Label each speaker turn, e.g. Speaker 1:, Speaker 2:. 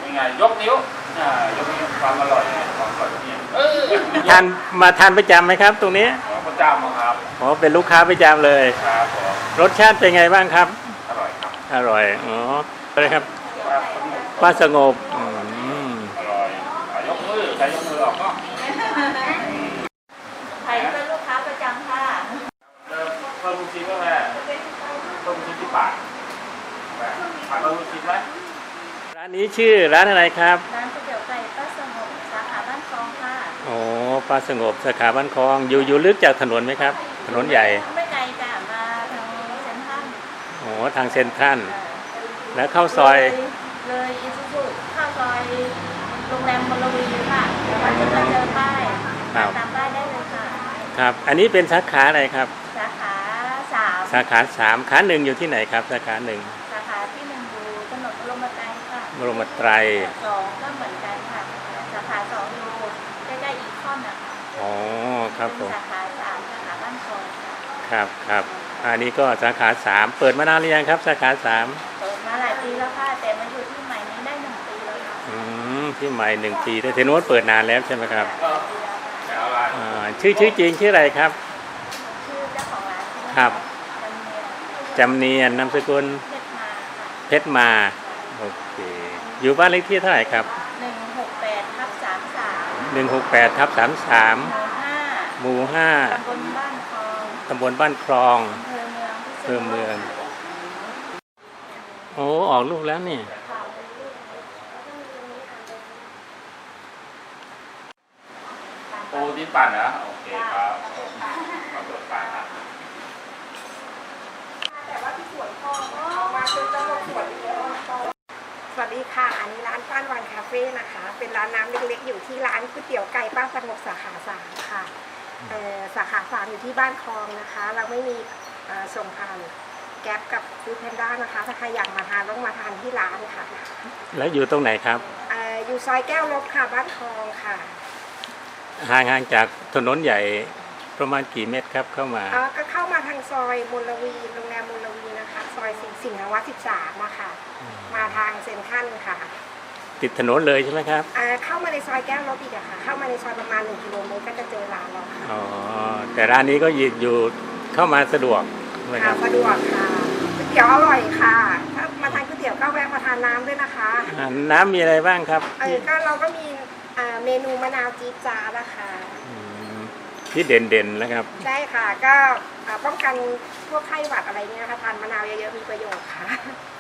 Speaker 1: ยังไงยกนิ้วยกนิ้วความอร่อยเนี่ย
Speaker 2: ทานประจำไหมครับตรงนี้
Speaker 1: ประจำครับ
Speaker 2: อ๋อเป็นลูกค้าประจำเลย
Speaker 1: ครับ
Speaker 2: รสชาติเป็นไงบ้างครับ
Speaker 1: อร่อยครับ
Speaker 2: อร่อยอ๋ออะไรครับป้าสงบ
Speaker 1: อร่อยยกมือใช้ยกมือออกก็
Speaker 3: ใครเป็นลูกค้าประจำค่ะ
Speaker 1: เพิ่มลูกชิ้นก็แม่เพิ่มลูกชิ้นที่ปากปากเพิ่มลูกชิ้นไหม
Speaker 2: ร้านนี้ชื่อร้านอะไรครับ
Speaker 3: ร้านก๋วยเตี๋ยวไก่ป้าสงบสาขาบ้านคลองค่ะ
Speaker 2: โอ้ป้าสงบสาขาบ้านคลองอยู่ลึกจากถนนไหมครับถนนใหญ่
Speaker 3: ไม่ไกลจ้ะมาทางเซ็นทรัล
Speaker 2: โอ้ทางเซ็นทรัลแล้วเข้าซอย
Speaker 3: เลยอิซูซุเข้าซอยโรงแรมมลวีค่ะแล้วก็จะเจอป้ายตามป้ายได้เลยค่ะ
Speaker 2: ครับอันนี้เป็นสาขาอะไรครับ
Speaker 3: สาขา3
Speaker 2: สาขา3ขา1อยู่ที่ไหนครับสาขา1
Speaker 3: สาขาที่1อยู่ถนนบรมไตรค่ะ
Speaker 2: บรมไตร
Speaker 3: 2ก็เหมือนกันค่ะสาขา2อยู่ใกล้ๆอีคอนนะคะ
Speaker 2: อ๋อครับผม
Speaker 3: สาขา3สาขาบ้านคลอง
Speaker 2: ครับอันนี้ก็สาขา3เปิดมานานหรือยังครับสาขา3
Speaker 3: เปิดมาหลายปีแล้วค่ะแต่มาอยู่ที่ใหม่นี้ได้1 ปีแล้วค่ะ
Speaker 2: ที่ใหม่1 ปีแต่เทนวดเปิดนานแล้วใช่ไหมครับชื่อจริงชื่ออะไรครับ
Speaker 3: ชื่อเจ้าของร้าน
Speaker 2: ครับจำเนียนนามสกุลเพชรมาโอเคอยู่บ้านเลขที่เท่าไหร่ครับ168/33หมู่5ตำบลบ้านคลองอำเภอเมืองโอ้ออกลูกแล้วนี่
Speaker 1: โอ้ดินปั่นนะโอเคครับมาเปิดปั่นครับ
Speaker 4: สวัสดีค่ะอันนี้ร้านป้านวันคาเฟ่นะคะเป็นร้านน้ำเล็กๆอยู่ที่ร้านก๋วยเตี๋ยวไก่ป้าสงบสาขา3ค่ะสาขา3อยู่ที่บ้านคลองนะคะเราไม่มีส่งผ่านแก๊ปกับฟู้ดแพนด้านะคะถ้าใครอยากมาทานต้องมาทานที่ร้านค่ะ
Speaker 2: แล้วอยู่ตรงไหนครับ
Speaker 4: อยู่ซอยแก้วลบค่ะบ้านคลองค่ะ
Speaker 2: ห่างจากถนนใหญ่ประมาณกี่เมตรครับเข้ามา
Speaker 4: ก็เข้ามาทางซอยมลวีโรงแรมมลวีนะคะซอยสิงห์วัฒน์13นะคะมาทางเซ็นทรัลค่ะ
Speaker 2: ติดถนนเลยใช่ไหมครับ
Speaker 4: เข้ามาในซอยแก้วลบอีกค่ะเข้ามาในซอยประมาณ1 กิโลเมตรก็จะเจอร้านเราค่ะ
Speaker 2: อ๋อแต่ร้านนี้ก็อยู่เข้ามาสะดวกใช่ไหมครับ
Speaker 4: สะดวกค่ะก๋วยเตี๋ยวอร่อยค่ะถ้ามาทานก๋วยเตี๋ยวก็แวะมาทานน้ำด้วยนะคะ
Speaker 2: น้ำมีอะไรบ้างครับ
Speaker 4: ก็เราก็มีเมนูมะนาวจี๊ดจ๊าดนะคะ
Speaker 2: ที่เด่นๆแล้วครับ
Speaker 4: ใช่ค่ะก็ป้องกันพวกไข้หวัดอะไรเงี้ยค่ะทานมะนาวเยอะๆมีประโยชน์ค่ะ